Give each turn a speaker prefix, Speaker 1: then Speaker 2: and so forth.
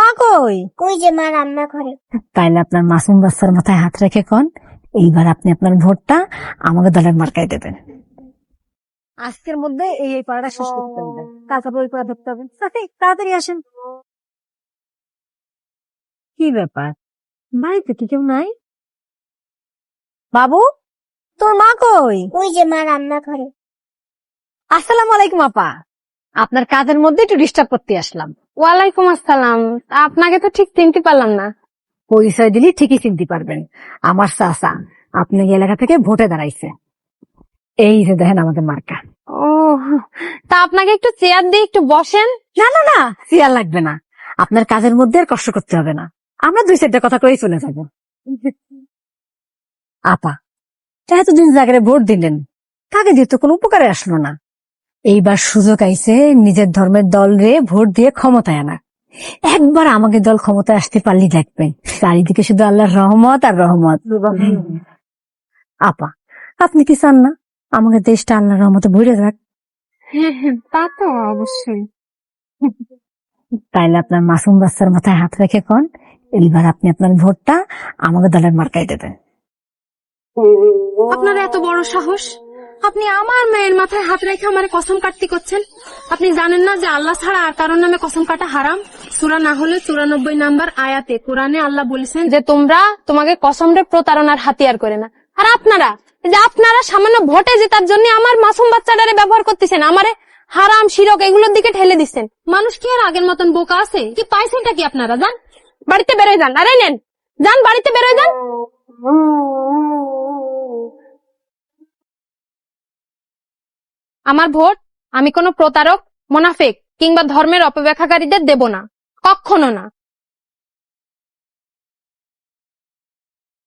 Speaker 1: মা কই?
Speaker 2: ওই যে মা রান্না করে।
Speaker 1: তাইলে আপনার মাসুম বাচ্চার মাথায় হাত রেখে কোন এইবার আপনি আপনার ভোটটা আমাকে দলের মার্কায় দেবেন। আজকের মধ্যে এই পাড়াটা শেষ করতে হবে, তারপর ওই পাড়া ধরতে হবে। তাড়াতাড়ি আসেন। কি ব্যাপার, বাড়িতে কি কেউ নাই? বাবু, তোর মা কই?
Speaker 2: ওই যে মা রান্না করে।
Speaker 1: আসসালামু আলাইকুম আপা, আপনার কাজের মধ্যে একটু ডিস্টার্ব করতে আসলাম।
Speaker 3: ওয়ালাইকুম আসসালাম। আপনাকে তো ঠিক চিনতে পারলাম না।
Speaker 1: পরিচয় দিলে ঠিকই চিনতে পারবেন, আমার চাচা আপনি এই এলাকা থেকে ভোটে দাঁড়াইছে। এই যে দেখেন আমাদের মার্কা।
Speaker 3: ও, তা আপনাকে একটু চেয়ার দিয়ে একটু বসেন।
Speaker 1: না না না, চেয়ার লাগবে না, আপনার কাজের মধ্যে আর কষ্ট করতে হবে না, আমরা দুই চারটা কথা করেই চলে যাব। আপা, এতদিন জায়গায় ভোট দিলেন, তাকে দিয়ে তো কোনো উপকারে আসলো না। এইবার সুযোগ আইছে নিজের ধর্মের দল রে ভোট দিয়ে ক্ষমতায় আনা। একবার আমাকে দল ক্ষমতায় আসতে পারলি দেখবেন চারিদিকে শুধু আল্লাহর রহমত আর রহমত। আপা, আপনি কি চান না আমাকে দেশটা আল্লাহর রহমতে ভরে যাক?
Speaker 3: হ্যাঁ হ্যাঁ, তা তো অবশ্যই।
Speaker 1: তাইলে আপনার মাসুম বাচ্চার মাথায় হাত রেখে কোন এইবার আপনি আপনার ভোটটা আমাকে দলের মার্কায় দেবেন।
Speaker 3: আপনার এত বড় সাহস, আপনি আমার মেয়ের মাথায় হাত রেখে আমার কসম কাটতে করছেন? আপনি জানেন না যে আল্লাহ ছাড়া আর কারোর নামে কসম কাটা হারাম? সূরা না হলে 94 নাম্বার আয়াতে কোরআনে আল্লাহ বলেছেন যে তোমরা তোমাকে কসমরে প্রতারণার হাতিয়ার করে না। আর আপনারা যে আপনারা সামান্য ভোটে জেতার জন্য আমার মাসুম বাচ্চাটারে ব্যবহার করতেছেন, আমারে হারাম শিরক এগুলোর দিকে ঠেলে দিচ্ছেন। মানুষ কি আর আগের মতন বোকা আছে? কি পাইছেনটা কি আপনারা? যান বাড়িতে বেরোয় যান। আরে নেন, যান বাড়িতে বেরোয় যান। আমার ভোট আমি কোনো প্রতারক, মুনাফিক কিংবা ধর্মের অপব্যাখ্যাকারীদের দেব না, কখনো না।